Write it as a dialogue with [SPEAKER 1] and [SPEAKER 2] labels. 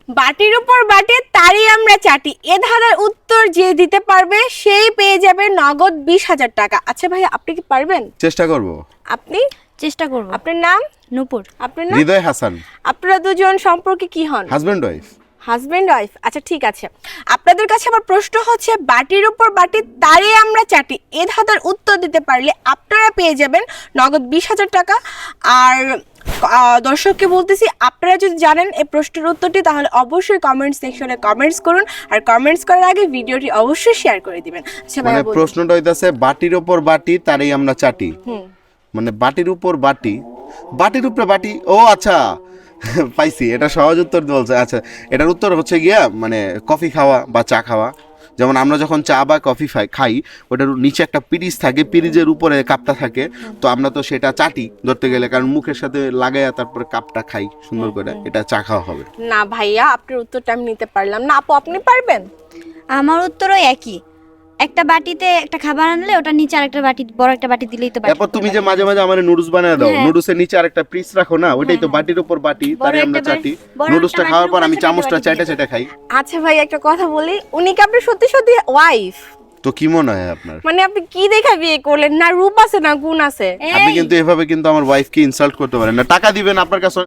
[SPEAKER 1] বাটির উপর বাটি তারই আমরা চাটি, এ ধাঁধার উত্তর যে দিতে পারবে সেই পেয়ে যাবে নগদ 20,000 টাকা। আচ্ছা ভাইয়া, আপনি কি পারবেন?
[SPEAKER 2] চেষ্টা করব।
[SPEAKER 1] আপনি?
[SPEAKER 3] চেষ্টা করব।
[SPEAKER 1] আপনার নাম?
[SPEAKER 3] নূপুর।
[SPEAKER 1] আপনার নাম?
[SPEAKER 2] হৃদয় হাসান।
[SPEAKER 1] আপনারা দুজন সম্পর্কে কি হন?
[SPEAKER 2] Husband wife.
[SPEAKER 1] Husband wife. আচ্ছা ঠিক আছে, আপনাদের কাছে আমার প্রশ্ন হচ্ছে বাটির উপর বাটি তারই আমরা চাটি, এ ধাঁধার উত্তর দিতে পারলে আপনারা পেয়ে যাবেন নগদ 20,000 টাকা। আর দর্শককে বলতেছি, আপনারা যদি জানেন এই প্রশ্নের উত্তরটি তাহলে অবশ্যই কমেন্ট সেকশনে কমেন্টস করুন, আর কমেন্টস করার আগে ভিডিওটি অবশ্যই শেয়ার করে দিবেন। আচ্ছা
[SPEAKER 2] মানে
[SPEAKER 1] ভাইয়া বলুন।
[SPEAKER 2] প্রশ্নটা হইতাছে বাটির উপর বাটি তারই আমরা চাটি। মানে বাটির উপর বাটি, বাটির উপরে বাটি। ও আচ্ছা পাইছি, এটা সহজ উত্তর বলছে। আচ্ছা, এটার উত্তর হচ্ছে গিয়া মানে কফি খাওয়া বা চা খাওয়া। যেমন আমরা যখন চা বা কফি খাই, ওটার নিচে একটা পিরিজ থাকে, পিরিজের উপরে কাপটা থাকে, তো আমরা তো সেটা চাটি ধরতে গেলে, কারণ মুখের সাথে লাগাইয়া তারপরে কাপটা খাই সুন্দর করে, এটা চা খাওয়া হবে।
[SPEAKER 1] না ভাইয়া, আপনার উত্তরটা আমি নিতে পারলাম না। আপু আপনি পারবেন?
[SPEAKER 3] আমার উত্তরও একই। একটা বাটিতে একটা খাবার আনলে ওটা নিচে আরেকটা বাটি, বড় একটা বাটি দিলেই তো বাটি।
[SPEAKER 2] তারপর তুমি যে মাঝে মাঝে আমার নুডলস বানায় দাও,
[SPEAKER 3] হ্যাঁ।
[SPEAKER 2] নুডলসের নিচে আরেকটা পিস রাখো না, ওইটাই তো বাটির উপর বাটি তারই আমরা চাটি। নুডলসটা খাওয়ার পর আমি চামচটা চাইটা চাইটা খাই।
[SPEAKER 1] আচ্ছা ভাই, একটা কথা বলি, উনি কি আপনার সত্যি সত্যি ওয়াইফ?
[SPEAKER 2] তো কি মনে হয় আপনার?
[SPEAKER 1] মানে আপনি কি দেখা বিয়ে করলেন? না রূপ আছে না গুণ আছে?
[SPEAKER 2] আপনি কিন্তু এভাবে কিন্তু আমার ওয়াইফকে ইনসাল্ট করতে পারেন না। টাকা দিবেন আপনার কাছে